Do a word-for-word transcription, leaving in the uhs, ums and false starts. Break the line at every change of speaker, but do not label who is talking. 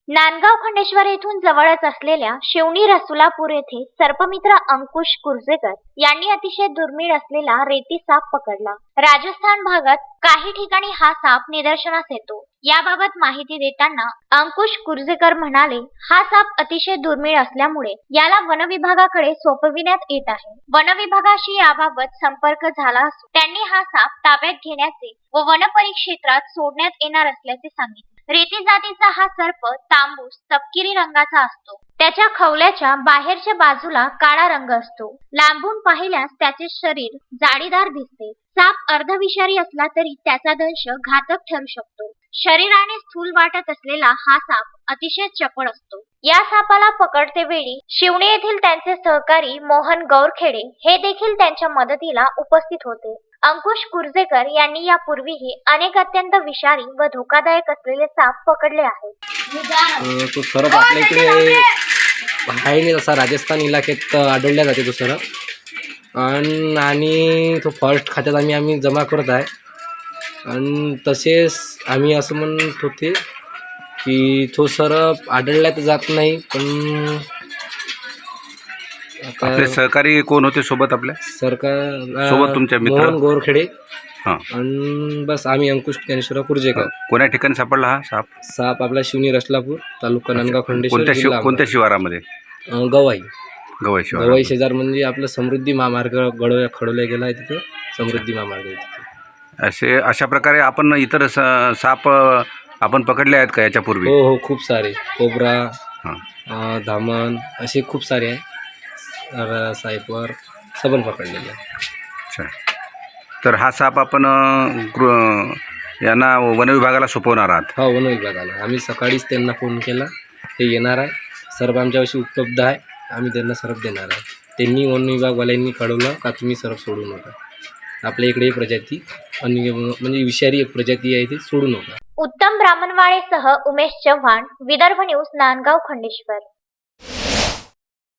नांदगाव खंडेश्वर येथून जवळच असलेल्या शिवणी रसुलापूर येथे सर्पमित्र अंकुश कुर्जेकर यांनी अतिशय दुर्मिळ असलेला रेती साप पकडला. राजस्थान भागात काही ठिकाणी हा साप निदर्शनास येतो. याबाबत माहिती देताना अंकुश कुर्जेकर म्हणाले, हा साप अतिशय दुर्मिळ असल्यामुळे याला वन विभागाकडे सोपविण्यात येत आहे. वन विभागाशी याबाबत संपर्क झाला असून त्यांनी हा साप ताब्यात घेण्याचे व वन परिक्षेत्रात सोडण्यात येणार असल्याचे सांगितले. रेती जातीचा हा सर्प तांबूस तपकिरी रंगाचा असतो. त्याच्या खवल्याच्या बाहेरच्या बाजूला काळा रंग असतो. लांबून पाहिल्यास त्याचे शरीर जाडीदार दिसते. साप अर्धविषारी असला तरी त्याचा दंश घातक ठरू शकतो. शरीराने स्थूल वाटत असलेला हा साप अतिशय चपळ असतो. या सापाला पकडते वेळी शिवणे येथील त्यांचे सहकारी मोहन गौरखेडे हे देखील त्यांच्या मदतीला उपस्थित होते. अंकुश कुर्जेकर यांनी यापूर्वीही अनेक अत्यंत विषारी व धोकादायक असलेले साप पकडले आहेत.
तो सरप आपल्या इकडे आहे नाही, तसा राजस्थान इलाक्यात आढळल्या जाते तो सरप. आणि आणि तो फॉरेस्ट खात्यात आम्ही आम्ही जमा करत आहे. आणि तसेच आम्ही असं म्हणत होते की तो सरप आढळल्या तर जात नाही, पण
आपले सहकारी कोण होते सोबत? आपल्या
सरकार
सोबत तुमच्या मित्र
मोहन गोरखेडे.
हां.
आणि बस आम्ही अंकुश ज्ञानेश्वर कुर्जेकर.
कोण्या ठिकाणी सापडला हा साप?
साप आपला शिवणी रसलापूर तालुका नांदगाव खंडेश्वर
कोणत्या शिव
जिल्हा
कोणत्या शिवारामध्ये?
अं, गवाई
गवई शिवार.
गवाई शेजार म्हणजे आपलं समृद्धी महामार्ग गडव खडवल्या गेला आहे, तिथं समृद्धी महामार्ग आहे तिथे.
असे अशा प्रकारे आपण इतर स- साप आपण पकडले आहेत का याच्यापूर्वी?
हो हो, खूप सारे कोबरा,
हां.
अं, धामण असे खूप सारे आहे. र- सायपर सबन पकडलेले आहे.
अच्छा. तर हा साप आपण अं, गृह यांना वन विभागाला सोपवणार आहात?
हो, वन विभागाला आम्ही सकाळीच त्यांना फोन केला. ते येणार आहे. सर्प आमच्यापाशी उपलब्ध आहे. आम्ही त्यांना सर्प देणार आहे. त्यांनी वन विभागवाल्यांनी कळवलं का तुम्ही सर्प सोडू नका. आपल्या इकडे ही प्रजाती आणि म्हणजे विषारी एक प्रजाती आहे, ती सोडू नका.
उत्तम ब्राह्मणवाडेसह उमेश चव्हाण, विदर्भ न्यूज, नांदगाव खंडेश्वर.